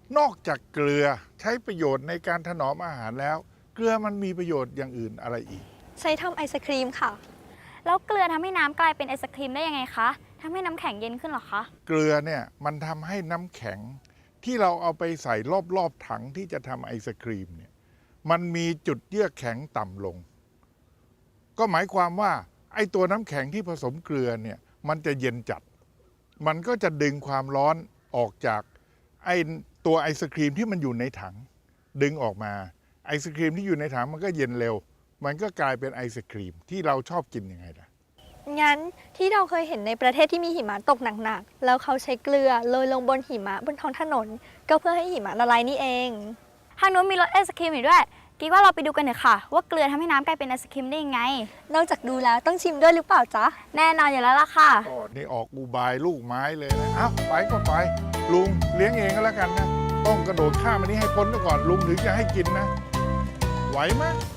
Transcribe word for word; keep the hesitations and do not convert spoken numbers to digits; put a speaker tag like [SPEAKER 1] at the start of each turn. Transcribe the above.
[SPEAKER 1] นอกจากเกลือใช้ประโยชน์ในการถนอมอาหารแล้ว เกลือมันมีประโยชน์อย่างอื่นอะไรอีก
[SPEAKER 2] ใช้ทำไอศครีมค่ะ
[SPEAKER 3] แล้วเกลือทำให้น้ำกลายเป็นไอศครีมได้ยังไงคะทำให้น้ำแข็งเย็นขึ้นหรอคะ
[SPEAKER 1] เกลือเนี่ยมันทำให้น้ำแข็งที่เราเอาไปใส่รอบๆถังที่จะทำไอศครีมเนี่ยมันมีจุดเยือกแข็งต่ำลงก็หมายความว่าไอ้ตัวน้ำแข็งที่ผสมเกลือเนี่ยมันจะเย็นจัดมันก็จะดึงความร้อนออกจากไอ้ตัวไอศครีมที่มันอยู่ในถังดึงออกมาไอศครีมที่อยู่ในถังมันก็เย็นเร็วมันก็กลายเป็นไอศครีมที่เราชอบกินยังไงล่ะ
[SPEAKER 2] งั้นที่เราเคยเห็นในประเทศที่มีหิมะตกหนักๆแล้วเขาใช้เกลือโรยลงบนหิมะบนท้องถนนก็เพื่อให้หิมะละลายนี่เอง
[SPEAKER 3] ทางนู้นมีรสไอศครีมอยู่ด้วยกิ๊กว่าเราไปดูกันเถอะค่ะว่าเกลือทำให้น้ำกลายเป็นไอศครีมได้ยังไง
[SPEAKER 2] นอกจากดูแล้วต้องชิมด้วยหรือเปล่าจ๊ะ
[SPEAKER 3] แน่นอนอยู่แล้วล่ะค่ะ
[SPEAKER 1] ก็นี่ออกอุบายลูกไม้เลยนะเอ้าไปก็ไปลุงเลี้ยงเองก็แล้วกันนะต้องกระโดดข้ามอันนี้ให้พ้นก่อนลุงถึงจะให้กินนะไหวไหม